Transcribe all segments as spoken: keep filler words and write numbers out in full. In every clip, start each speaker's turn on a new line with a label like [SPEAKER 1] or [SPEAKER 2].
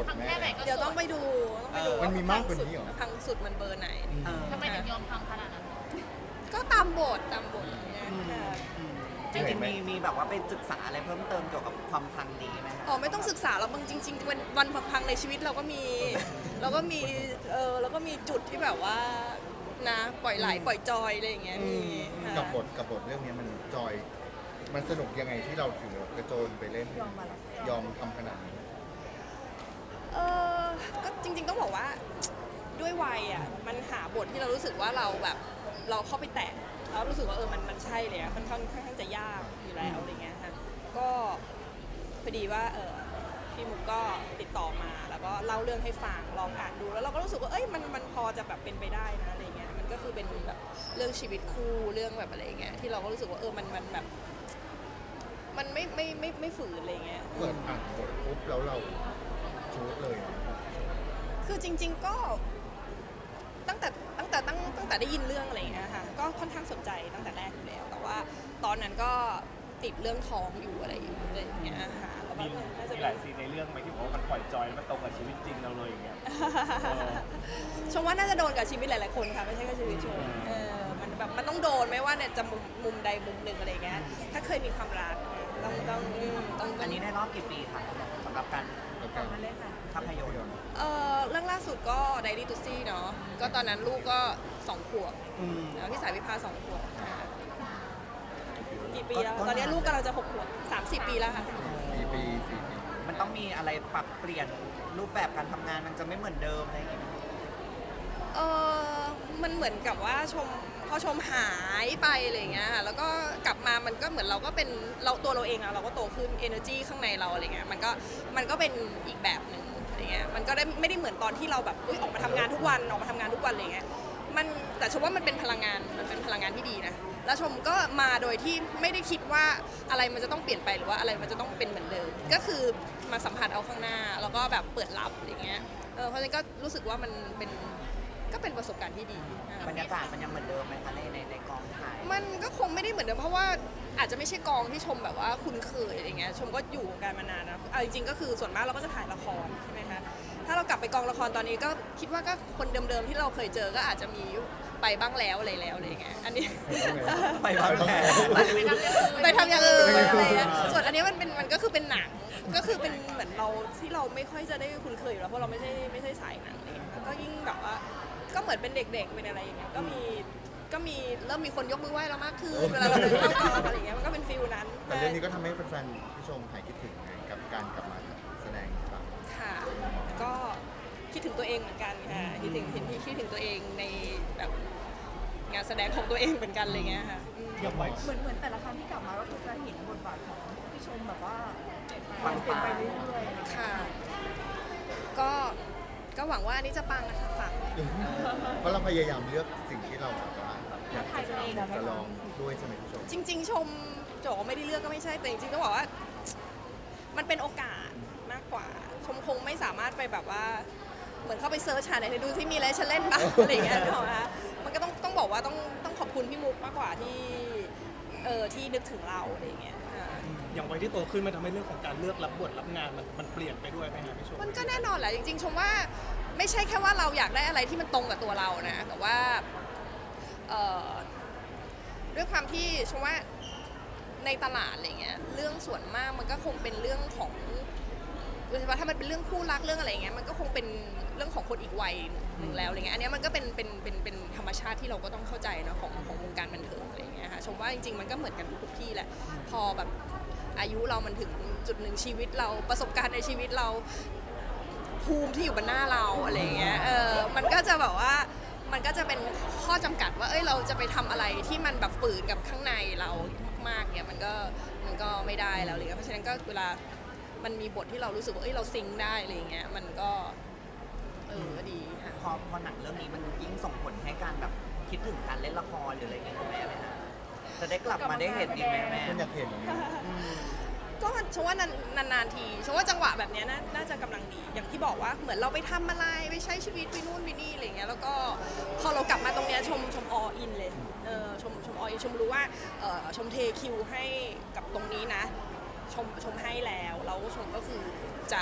[SPEAKER 1] พังแค่ไหนก็
[SPEAKER 2] เดี๋ยวต้องไปดูต้องไปดู
[SPEAKER 3] มันมีมากกว่านี้เหรอ
[SPEAKER 2] พังสุดมันเบอร์ไหน
[SPEAKER 1] ทำไมถึงยอมพังขนาดนั้น
[SPEAKER 2] ก็ตามบทตามบทอย่างเงี้ยค่ะ
[SPEAKER 4] จริงๆมีมีแบบว่าไปศึกษาอะไรเพิ่มเติมเกี่ยวกับความพังนี้ไหมคะ
[SPEAKER 2] อ๋อไม่ต้องศึกษาแล้วบางจริงๆวันวันพังๆในชีวิตเราก็มีเราก็มีเออเราก็มีจุดที่แบบว่านะปล่อยไหลปล่อยจอยอะไรอย่างเงี้ยมีค่ะ
[SPEAKER 3] กับบทกับบทเรื่องนี้มันจอย มันสนุกยังไงที่เราถึงกระโจนไปเล่น
[SPEAKER 5] ยอมมาแล้ว
[SPEAKER 3] ยอมทำขนาดนี้
[SPEAKER 2] เออก็จริงๆต้องบอกว่าด้วยวัยอ่ะมันหาบทที่เรารู้สึกว่าเราแบบเราเข้าไปแตะแล้วรู้สึกว่าเออมันมันใช่เลยอะค่อนข้างค่อนข้างจะยากอยู่แล้วอะไรเงี้ยค่ะก็พอดีว่าเออพี่มุกก็ติดต่อมาแล้วก็เล่าเรื่องให้ฟังลองอ่านดูแล้วเราก็รู้สึกว่าเอ้ยมันมันพอจะแบบเป็นไปได้นะอะไรเงี้ยมันก็คือเป็นแบบเรื่องชีวิตคู่เรื่องแบบอะไรเงี้ยที่เราก็รู้สึกว่าเออมันมันแบบมันไม่ไม่ไม่ไม่ฝืนอะไรเงี้ย
[SPEAKER 3] เปิดอ่านบทปุ๊บแล้วเราชูดเลย
[SPEAKER 2] คือจริงๆก็ตั้งแต่ตั้งแต่ตั้งตั้งแต่ได้ยินเรื่องอะไรอย่างเงี้ยค่ะก็ค่อนข้างสนใจตั้งแต่แรกอยู่แล้วแต่ว่าตอนนั้นก็ติดเรื่องท้องอยู่อะไรอยู่อะไรอย่างเงี้ยค่ะแล้วก็
[SPEAKER 6] มี
[SPEAKER 2] น่าจะ
[SPEAKER 6] มีหลายซีนในเรื่องไหมที่บอกว่ามันปล่อยจอยแล้วมันตรงกับชีวิตจริงเราเลยอย่างเงี้ย
[SPEAKER 2] ชมว่าน่าจะโดนกับชีวิตหลายๆคนค่ะไม่ใช่แค่ชีวิตชมเออมันแบบมันต้องโดนไม่ว่าเนี่ยจะมุมมุมใดมุมหนึ่งอะไรอย่างเงี้ยถ้าเคยมีความรักต้องต้องอืมต้อง
[SPEAKER 4] อันนี้ได้รอบกี่ปีคะสำหรับการ
[SPEAKER 3] แล้วกัน
[SPEAKER 5] มาเลยค่ะ
[SPEAKER 4] ภาพยนตร์
[SPEAKER 2] เออเรื่องล่าสุดก็ Diary to See เนาะก็ตอนนั้นลูกก็สองขวบ
[SPEAKER 4] อืม
[SPEAKER 2] แล้วพี่สายวิภาสองขวบค่ะกี่ปีแล้ว ตอนนี้ลูกกำลังจะหกขวบสามสิบปีแล้วค่ะ
[SPEAKER 3] สี่ปีสี่ปี
[SPEAKER 4] มันต้องมีอะไรปรับเปลี่ยนรูปแบบการทำงานมันจะไม่เหมือนเดิมอะไรอย่างเงี้ย
[SPEAKER 2] เออมันเหมือนกับว่าชมพอชมหายไปอะไรอย่างเงี้ยค่ะแล้วก็กลับมามันก็เหมือนเราก็เป็นเราตัวเราเองอะเราก็โตขึ้น energy ข้างในเราอะไรเงี้ยมันก็มันก็เป็นอีกแบบหนึ่งอะไรเงี้ยมันก็ได้ไม่ได้เหมือนตอนที่เราแบบอุ๊ยออกมาทำงานทุกวันออกมาทำงานทุกวันอะไรเงี้ยมันแต่ชมว่ามันเป็นพลังงานมันเป็นพลังงานที่ดีนะแล้วชมก็มาโดยที่ไม่ได้คิดว่าอะไรมันจะต้องเปลี่ยนไปหรือว่าอะไรมันจะต้องเป็นเหมือนเดิมก็คือมาสัมผัสเอาข้างหน้าแล้วก็แบบเปิดรับอะไรเงี้ยเออเพราะฉะนั้นก็รู้สึกว่ามันเป็นก็เป็นประสบการณ์ที่ดีอ่ะ
[SPEAKER 4] บรรยากาศมันยังเหมือนเดิมไหมคะในในในกองถ่าย
[SPEAKER 2] มันก็คงไม่ได้เหมือนเดิมเพราะว่าอาจจะไม่ใช่กองที่ชมแบบว่าคุ้นเคยอะไรเงี้ยชมก็อยู่วงการมานานนะเอาจริงๆก็คือส่วนมากเราก็จะถ่ายละครใช่ไหมคะถ้าเรากลับไปกองละครตอนนี้ก็คิดว่าก็คนเดิมๆที่เราเคยเจอก็อาจจะมีไปบ้างแล้วอะไรแล้วอะไรเงี้ยอันนี้
[SPEAKER 4] ไปบ้างแล้ว
[SPEAKER 2] ไปทำอย่างอื่นอะไรเงี้ยส่วนอันนี้มันเป็นมันก็คือเป็นหนังก็คือเป็นเหมือนเราที่เราไม่ค่อยจะได้คุ้นเคยอยู่แล้วเพราะเราไม่ใช่ไม่ใช่สายหนังอะไรเงี้ยแล้วก็ยิ่งแบบว่าก็เหมือนเป็นเด็กๆเป็นอะไรอย่างเงี้ยก็มีก็มีเริ่มมีคนยกมือไหว้เรามากขึ้นเวลาเราเดินเข้ากองอะไรอย่างเงี้ยมันก็เป็นฟิลนั้น
[SPEAKER 3] แต่เรื่องนี้ก็ทำให้แฟนๆผู้ชมหายคิดถึงไงกับการกลับมาแสดงอีกครั้ง
[SPEAKER 2] ค่ะก็คิดถึงตัวเองเหมือนกันค่ะคิดถึงคิดคิดถึงตัวเองในแบบงานแสดงของตัวเองเหมือนกันอะไรเงี้ยค่ะอืม
[SPEAKER 6] อย่างไว้
[SPEAKER 5] เหมือนเหมือนแต่ละครั้งที่กลับมาก็คือจะเห็นบทบาทของพี่ชมแบบว่าเป็นไปเรื่อยๆ
[SPEAKER 2] ค่ะ ก็ก็หวังว่าอันนี้จะปังนะคะฝาก
[SPEAKER 3] เพราะเราพยายามเลือกสิ่งที่เราแบบว่าอยากจะจะลองด้วยใช่ไหมผู้ชม
[SPEAKER 2] จริง ๆ ชมโจไม่ได้เลือกก็ไม่ใช่แต่จริงๆต้องบอกว่า มันเป็นโอกาสมากกว่า ชมคงไม่สามารถไปแบบว่า เหมือนเข้าไปเซิร์ชหาไหนดูที่มีอะไรฉันเล่นบ้าง อะไรอย่างเงี้ยนึกออกไหมคะมันก็ต้องต้องบอกว่าต้องต้องขอบคุณพี่มุกมากกว่าที่เออที่นึกถึงเราอะไรอย่างเงี้ยค่ะ
[SPEAKER 6] อย่างวัยที่โตขึ้นมันทำให้เรื่องของการเลือกรับบทรับงานมันมันเปลี่ยนไปด้วยไหมฮะพี่ชม
[SPEAKER 2] มันก็แน่นอนแหละจริงๆชมว่าไม่ใช่แค่ว่าเราอยากได้อะไรที่มันตรงกับตัวเรานะแต่ว่าเอ่อด้วยความที่ชมว่าในตลาดอะไรเงี้ยเรื่องส่วนมากมันก็คงเป็นเรื่องของโดยเฉพาะถ้ามันเป็นเรื่องคู่รักเรื่องอะไรเงี้ยมันก็คงเป็นเรื่องของคนอีกวัยหนึ่งแล้วอะไรเงี้ยอันเนี้ยมันก็เป็นเป็นเป็นเป็นธรรมชาติที่เราก็ต้องเข้าใจเนาะของของวงการบันเทิงอะไรเงี้ยค่ะชมว่าจริงๆมันก็เหมือนกันทุกๆที่แหละพอแบบอายุเรามันถึงจุดหนึ่งชีวิตเราประสบการณ์ในชีวิตเราภูมิที่อยู่บนหน้าเราอะไรเงี้ยเออมันก็จะแบบว่ามันก็จะเป็นข้อจำกัดว่าเอ้ยเราจะไปทำอะไรที่มันแบบฝืนกับข้างในเรามากๆเนี่ยมันก็มันก็ไม่ได้แล้วเลยเพราะฉะนั้นก็เวลามันมีบทที่เรารู้สึกว่าเอ้ยเราซิงค์ได้อะไรเงี้ยมันก็เออดีค่ะ
[SPEAKER 4] พอพอหนังเรื่องนี้มันยิ่งส่งผลให้การแบบคิดถึงการเล่นละครหรืออะไรอย่างเงี้ยคุณแม่ไหมฮะจะได้กลับมาได้เห็นอีกไหมแม่
[SPEAKER 3] คุณอยากเห็น
[SPEAKER 2] ก็ชมว่านานๆทีชมว่าจังหวะแบบเนี้ยน่าน่าจะกำลังดีอย่างที่บอกว่าเหมือนเราไปทำอะไรไปใช้ชีวิตไปนู่นไปนี่อะไรเงี้ยแล้วก็พอเรากลับมาตรงเนี้ยชมชมออินเลยเออชมชมออินชมรู้ว่าเออชมเทคิวให้กับตรงนี้นะชมชมให้แล้วแล้วชมก็คือจะ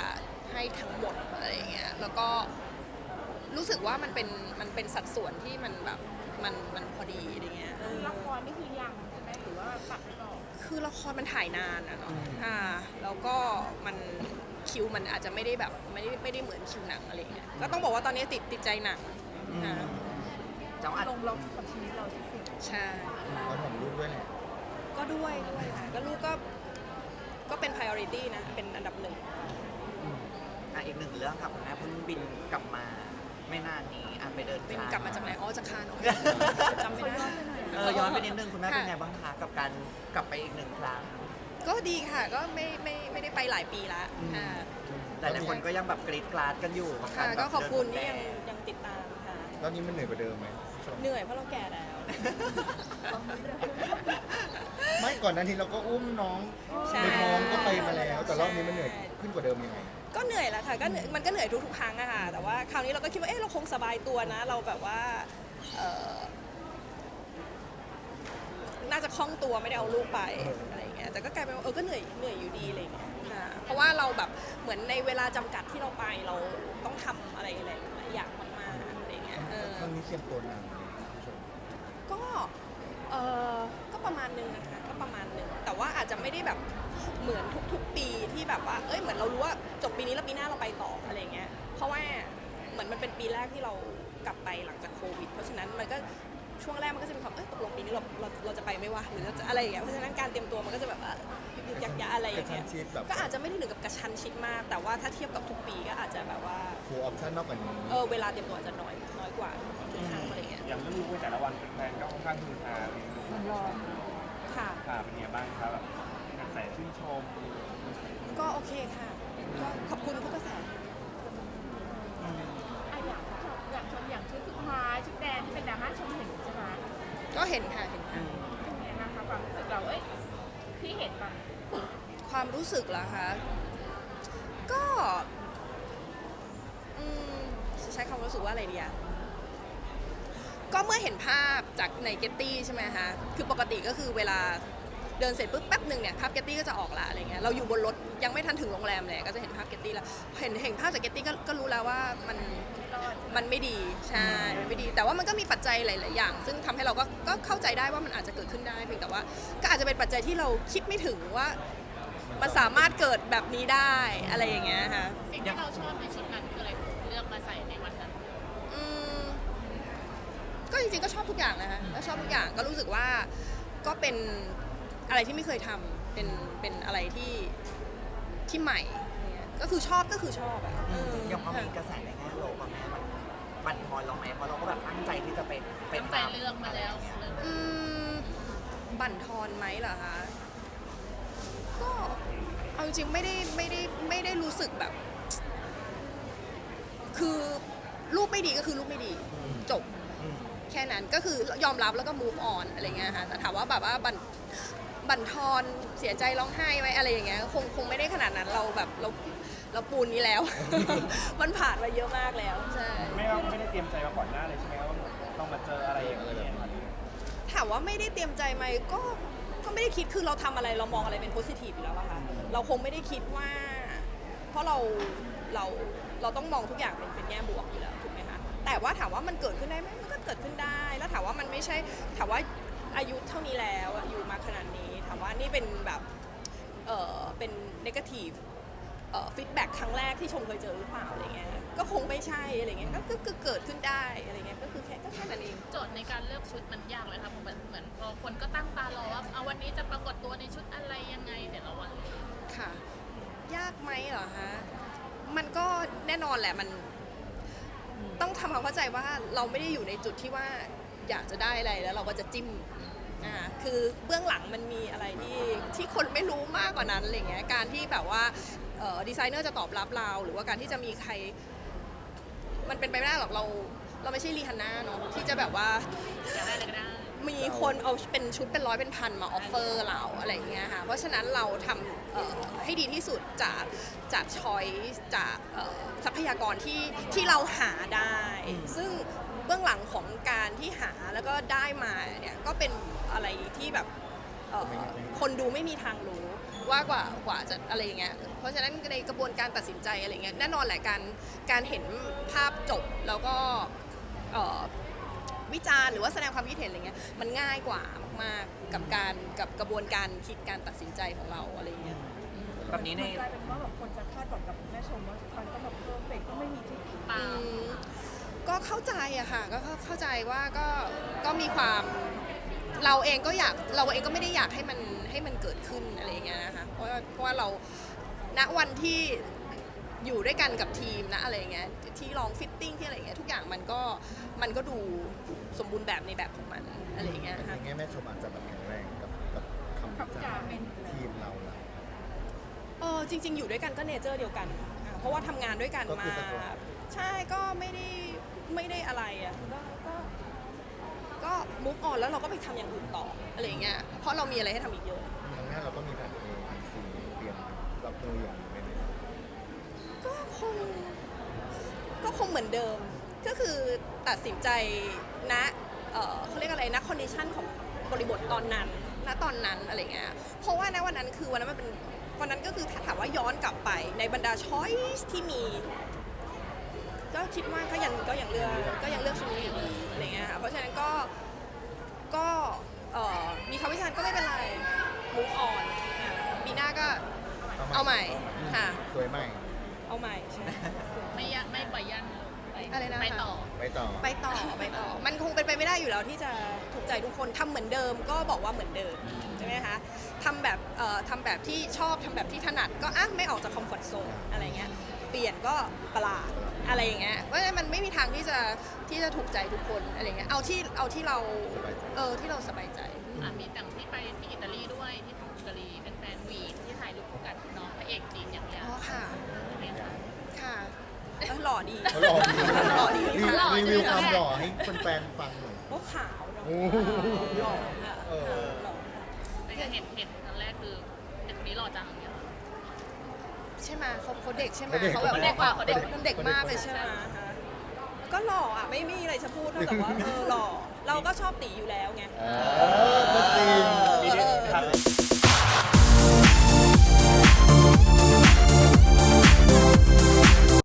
[SPEAKER 2] ให้ทั้งหมดอะไรอย่างเงี้ยแล้วก็รู้สึกว่ามันเป็นมันเป็นสัดส่วนที่มันแบบมันมันพอดีอะไรเงี้ยเออ
[SPEAKER 5] ละครนี่คือยังใช่ไหมหรือว่าตัดไปต่อ
[SPEAKER 2] คือละครมันถ่ายนานอะเนาะอ่าแล้วก็มันคิวมันอาจจะไม่ได้แบบไม่ได้ไม่ได้เหมือนคิวหนังอะไรเงี้ยก็ต้องบอกว่าตอนนี้ติดติดใจหนังอ่า
[SPEAKER 4] เจ้าอัด
[SPEAKER 5] ลงล็อกกับชีวิตเราที่สุด
[SPEAKER 2] ใช่
[SPEAKER 3] เราของลูกด้วยแหละ
[SPEAKER 2] ก็ด้วยด้วยค่ะก็ลูกก็ก็เป็น priority นะเป็นอันดับหนึ่ง
[SPEAKER 4] อ่ะอีกหนึ่งเรื่องค่ะคุณแม่เพิ่งบินกลับมาไม่นานนี้อ่ะไปเดิน
[SPEAKER 2] เป็น
[SPEAKER 4] ทาง
[SPEAKER 2] กลับมาจากไหนอ๋อจากคานอ๋อจำไม่ได้
[SPEAKER 4] เออย้อนไปนิดนึงคุณแม่
[SPEAKER 2] ค่ะ
[SPEAKER 4] เป็นไงบ้างคะกับการกลับไปอีกหนึ่งครั้ง
[SPEAKER 2] ก็ดีค่ะก็ไม่ไม่ไม่ได้ไปหลายปีละอ่า
[SPEAKER 4] แต่หลายคนก็ยังแบบกรีดกราดกันอยู่กับกา
[SPEAKER 2] ค่ะ
[SPEAKER 4] รแบบ
[SPEAKER 2] ก็ขอบคุณ
[SPEAKER 4] เดิ
[SPEAKER 2] ที่
[SPEAKER 4] น
[SPEAKER 2] ยัง
[SPEAKER 4] พรมแด
[SPEAKER 2] ยังติดตามค่ะ
[SPEAKER 3] รอบนี้มันเหนื่อยกว่าเดิมไหมพี่ชม
[SPEAKER 2] เหนื่อยเพราะเราแก่แล้ว
[SPEAKER 3] ไม่ก่อนหนั้นทีเราก็อุ้มน้อง
[SPEAKER 2] ใช่
[SPEAKER 3] ในท้องก็ไปมาแล้ว แต่รอบนี้มันเหนื่อยขึ้นกว่าเดิมยังไง
[SPEAKER 2] ก็เหนื่อยแหละค่ะก็เหนื่อยมันก็เหนื่อยทุกๆครั้งอะค่ะแต่ว่าคราวนี้เราก็คิดว่าเอ๊ะเราคงสบายตัวนะ เราแบบว่าเอ่อน่าจะคล่องตัวไม่ได้เอาลูกไปอะไรอย่างเงี้ยแต่ก็กลายเป็นว่าเออก็เหนื่อยเหนื่อยอยู่ดีอะไรอย่างเงี้ยค่ะเพราะว่าเราแบบเหมือนในเวลาจำกัดที่เราไปเราต้องทำอะไรหลายๆอย่างมากๆอะไรอย่างเงี้ยเออ
[SPEAKER 3] ครั้งนี้เตรียมตัวนานไหมพี่ชม
[SPEAKER 2] ก็เออก็ประมาณนึงนะคะก็ประมาณนึงแต่ว่าอาจจะไม่ได้แบบเหมือนทุกๆ ปีที่แบบว่าเอ้ยเหมือนเรารู้ว่าจบปีนี้แล้วปีหน้าเราไปต่ออะไรเงี้ยเพราะว่าเหมือนมันเป็นปีแรกที่เรากลับไปหลังจากโควิด เพราะฉะนั้นมันก็ช่วงแรกมันก็จะมีความเอ้ยตกลงปีนี้เราเราเราจะไปไหม่วะหรือเราจะอะไรอย่างเงี้ยเพราะฉะนั้นการเตรียมตัวมันก็จะแบบว่ายึกยักยักอะไรอย่างเงี้ย
[SPEAKER 3] กระชั้นชิดแบบ
[SPEAKER 2] ก็อาจจะไม่ได้ถึงกับกระชั้นชิดมาก แต่ว่าถ้าเทียบกับทุกปีก็อาจจะแบบว่า
[SPEAKER 3] ฟูลออปชั่นนอกกว่านี้
[SPEAKER 2] เออเวลาเตรียมตัวอาจจะน้อยน้อยกว่าทุกครั้งอะไรเงี้ย
[SPEAKER 7] อย่างเรื่องลูกในแต่ละวันแฟนก็ค่อนข้างฮือฮาเลย
[SPEAKER 5] มันรอ
[SPEAKER 2] ค่ะ
[SPEAKER 7] ค่ะเป็นไงบ้างครับแบบกระแสชื่นชม
[SPEAKER 2] ก็โอเคค่ะก็ขอบคุณทุกกระแส
[SPEAKER 5] อ่ะอยากชมอยากชมอย่างชุดสุดท้ายชุดแดงที่เป็นดราม่าชมเห็นใช่ไหม
[SPEAKER 2] ก็เห็นค่ะเห็นค่ะ
[SPEAKER 5] เป็นไงบ้างคะความรู้สึกเราเอ้ยที่เห็นปะ
[SPEAKER 2] ความรู้สึกเหรอคะ ก็อืมจะใช้คำรู้สึกว่าอะไรดีอะก็เมื่อเห็นภาพจากในเกตตี้ใช่ไหมคะ คือปกติก็คือเวลาเดินเสร็จปุ๊บแป๊บหนึ่งเนี่ยภาพเกตตี้ก็จะออกละอะไรเงี้ย เราอยู่บนรถยังไม่ทันถึงโรงแรมเลยก็จะเห็นภาพเกตตี้แล้ว เห็นเห็นภาพจากเกตตี้ก็ก็รู้แล้วว่ามัน
[SPEAKER 5] รอด
[SPEAKER 2] มันไม่ดี ใช่ มันไม่ดี แต่ว่ามันก็มีปัจจัยหลาย ๆ อย่าง ซึ่งทำให้เราก็ก็เข้าใจได้ว่ามันอาจจะเกิดขึ้นได้ เพียงแต่ว่าก็อาจจะเป็นปัจจัยที่เราคิดไม่ถึงว่ามันสามารถเกิดแบบนี้ได้อะไรอย่างเงี้ยค่ะ
[SPEAKER 1] สิ่งที่เราชอบในชุดนั้นคืออะไรเลือกมาใส่ในวันนั้น
[SPEAKER 2] อืมก็จริง ๆ ก็ชอบทุกอย่างนะคะก็ชอบทุกอย่าง ก็รู้สึกว่าก็เป็นอะไรที่ไม่เคยทำเป็นเป็นอะไรที่ที่ใหม่เนี่ยก็คือชอบก็คือชอบอะเออ
[SPEAKER 4] ยังพอมีกระแสในแง่ลบอะแม่มันบั่นทอนเราไหมเพราะเราก็แบบตั้งใจที่จะไปไป
[SPEAKER 1] ตั้งใจเลือกมาแล้ว
[SPEAKER 2] อืมบั่นทอนไหมเหรอคะ ก็เอาจริงๆไม่ได้ไม่ได้ไม่ได้รู้สึกแบบ คือลูกไม่ดีก็คือลูกไม่ดีจบ
[SPEAKER 4] อืม
[SPEAKER 2] แค่นั้นก็คือยอมรับแล้วก็ move on อะไรเงี้ยค่ะแต่ถามว่าแบบว่าบั่นบั่นทอนเสียใจร้องไห้ไหมอะไรอย่างเงี้ยคงคงไม่ได้ขนาดนั้นเราแบบเราเราปูนนี้แล้ว มันผ่านมาเยอะมากแล้วใช่
[SPEAKER 7] ไม่ว่าไม่ได้เตรียมใจมาก่อนหน้าเลยใช่ไหมว่าต้องมาเจออะไรอย่างเงี้ยครับ
[SPEAKER 2] ถามว่าไม่ได้เตรียมใจไหมก็ก็ไม่ได้คิดคือเราทำอะไรเรามองอะไรเป็นโพสิทีฟอยู่แล้วอะค่ะเราคงไม่ได้คิดว่า เพราะเราเราเราต้องมองทุกอย่างเป็นเป็นแง่บวกอยู่แล้วถูกไหมคะแต่ว่าถามว่ามันเกิดขึ้นได้ไหมมันก็เกิดขึ้นได้ แล้วถามว่ามันไม่ใช่ถามว่าอายุเท่านี้แล้วอะอยู่มาขนาดนี้ถามว่านี่เป็นแบบเออเป็นเนกาทีฟเอ่อฟีดแบ็กครั้งแรกที่ชมเคยเจอหรือเปล่าอะไรเงี้ยก็คงไม่ใช่อะไรเงี้ยก็ก็เกิดขึ้นได้อะไรเงี้ยก็คือแค่ก็แค่นั้นเอง
[SPEAKER 1] โจทย์ในการเลือกชุดมันยากเลยค่ะเหมือนเหมือนพอคนก็ตั้งตารอว่าเอาวันนี้จะปรากฏตัวในชุดอะไรยังไงแต่ละวัน
[SPEAKER 2] ค่ะ ยากไหมเหรอคะ มันก็แน่นอนแหละมันต้องทำความเข้าใจว่าเราไม่ได้อยู่ในจุดที่ว่าอยากจะได้อะไรแล้วเราก็จะจิ้มอ่าคือเบื้องหลังมันมีอะไรที่ที่คนไม่รู้มากกว่านั้นอะไรเงี้ยการที่แบบว่าเอ่อดีไซเนอร์จะตอบรับเราหรือว่าการที่จะมีใคร มันเป็นไปไม่ได้หรอกเราเราไม่ใช่รีฮันน่าเนาะที่จะแบบว่า
[SPEAKER 1] อยากได้อะไรก็ได้
[SPEAKER 2] มีคนเอาเป็นชุดเป็นร้อยเป็นพันมาออฟเฟอร์เราอะไรอย่างเงี้ยค่ะ เพราะฉะนั้นเราทำเอ่อให้ดีที่สุดจากจากช้อยจากเอ่อทรัพยากรที่ที่เราหาได้ ซึ่งเบื้องหลังของการที่หาแล้วก็ได้มาเนี่ยก็เป็นอะไรที่แบบเอ่อคนดูไม่มีทางรู้ว่ากว่ากว่าจะอะไรอย่างเงี้ยเพราะฉะนั้นในกระบวนการตัดสินใจอะไรเงี้ยแน่นอนแหละการการเห็นภาพจบแล้วก็เอ่อวิจารณ์หรือว่าแสดงความคิดเห็นอะไรเงี้ยมันง่ายกว่ามากๆกับการกับกระบวนการคิดการตัดสินใจของเราอะไรเงี้ย
[SPEAKER 4] แบบนี้ใน
[SPEAKER 5] กลายเป็นว่าแบบคนจะคาดหวังกับแม่ชมว่าทุกครั้งก็แบบเพอร์เฟกต์ต้องไม่มีที่ผิด
[SPEAKER 1] ปา
[SPEAKER 2] อื
[SPEAKER 1] ล์ม
[SPEAKER 2] มก็เข้าใจอะค่ะก็เข้าเข้าใจว่าก็ก็มีความเราเองก็อยากเราเองก็ไม่ได้อยากให้มันให้มันเกิดขึ้นอะไรอย่างเงี้ยนะคะเพราะว่าเพราะว่าเราณวันที่อยู่ด้วยกันกับทีมนะอะไรอย่างเงี้ยที่ลองฟิตติ้งที่อะไรอย่างเงี้ยทุกอย่างมันก็มันก็ดูสมบูรณ์แบบในแบบของมันอะไรอย่างเงี้ย
[SPEAKER 3] แต่
[SPEAKER 2] ค่ะ
[SPEAKER 3] ในแง่แม่ชมอาจจะแบบแข็งแรงกับกับคำวิจารณ์ทีมเราล่ะ
[SPEAKER 2] เออจริง ๆ อยู่ด้วยกันก็เนเจอร์เดียวกันอ่ะเพราะว่าทำงานด้วยกัน
[SPEAKER 3] ก็คื
[SPEAKER 2] มา
[SPEAKER 3] อสะดวก
[SPEAKER 2] ใช่ก็ไม่ได้ไม่ได้อะไรอ่ะก็ก็ก็มุกออนแล้วเราก็ไปทำอย่างอื่นต่ออะไรอย่างเงี้ยเพราะเรามีอะไรให้ทำอีกเยอะ
[SPEAKER 3] ครั้งหน้าเราก็มีแผน A B C เตรียมรับมืออย่างนี้ไหมเนี่ย
[SPEAKER 2] ก็คงก็คงเหมือนเดิม ก็คือตัดสินใจณเอ่อเขาเรียกอะไรนะคอนดิชันของบริบทตอนนั้นณตอนนั้นอะไรเงี้ยเพราะว่าณวันนั้นคือวันนั้นมันเป็นวันนั้นก็คือถ้าถามว่าย้อนกลับไปในบรรดาช้อยส์ที่มี ก็คิดว่าก็ยังก็ยังเลือกก็ยังเลือกชุดนี้อยู่ดีอะไรเงี้ยค่ะเพราะฉะนั้นก็ก็เอ่อมีคำวิจารณ์ก็ไม่เป็นไรมูฟออนปีหน้าก็เอาใหม่ค่ะ
[SPEAKER 3] สวยใหม่
[SPEAKER 2] เอาใหม่ใช่
[SPEAKER 1] ไม่ยะไม่ปล่อยยันไป
[SPEAKER 2] อะไรนะคะ
[SPEAKER 1] ไปต่อ
[SPEAKER 3] ไปต่อ
[SPEAKER 2] ไปต่อไปต่อ มันคงเป็นไปไม่ได้อยู่แล้วที่จะถูกใจทุกคนทำเหมือนเดิมก็บอกว่าเหมือนเดิมใช่ไหมคะทำแบบเอ่อทำแบบที่ชอบทำแบบที่ถนัดก็อ่ะไม่ออกจากคอมฟอร์ทโซนอะไรเงี้ยเปลี่ยนก็ประหลาดอะไรอย่างเงี้ยเพราะฉะนั้นมันไม่มีทางที่จะที่จะถูกใจทุกคนอะไรเงี้ยเอาที่เอาที่เรา
[SPEAKER 3] สบายใจ
[SPEAKER 2] เออที่เราสบายใจ
[SPEAKER 1] อ่ะมีแต่งที่ไปที่อิตาลีด้วยที่ทำอิตาลีเป็นแฟนวีนที่ถ่ายรูปคู่กับน้องพระเอกจีนอย่างเงี้ย
[SPEAKER 2] อ๋อค่ะ
[SPEAKER 1] ใช่ไหมคะ
[SPEAKER 2] ค่ะเออหล่อดี
[SPEAKER 3] เขาหล่อดี
[SPEAKER 2] หล่อดี
[SPEAKER 3] รี
[SPEAKER 2] ค่ะ
[SPEAKER 3] รีวิวความหล่อให้แฟนๆฟังหน่อย
[SPEAKER 2] โอ้ขาวเนอะ
[SPEAKER 3] โอ้
[SPEAKER 2] หล่อค่ะ
[SPEAKER 3] เออ
[SPEAKER 2] หล่อ
[SPEAKER 1] ไม่เคยเห็นเห็นครั้งแรกคือเด็กคนนี้หล่อจังอย่างเงี้ย
[SPEAKER 2] ใช่ไหมเขาเขาเด็กใช่ไหม
[SPEAKER 3] เขาเด็ก
[SPEAKER 2] เขาแบบ
[SPEAKER 1] เขาเด็กกว่าเขาเด็ก
[SPEAKER 2] เขาเด็กมากเลยใช่ไหมคะก็หล่ออ่ะไม่มีอะไรจะพูดนอกจากว่าเออหล่อเราก็ชอบตีอยู่แล้วไง
[SPEAKER 3] เออก็จริง
[SPEAKER 2] เออ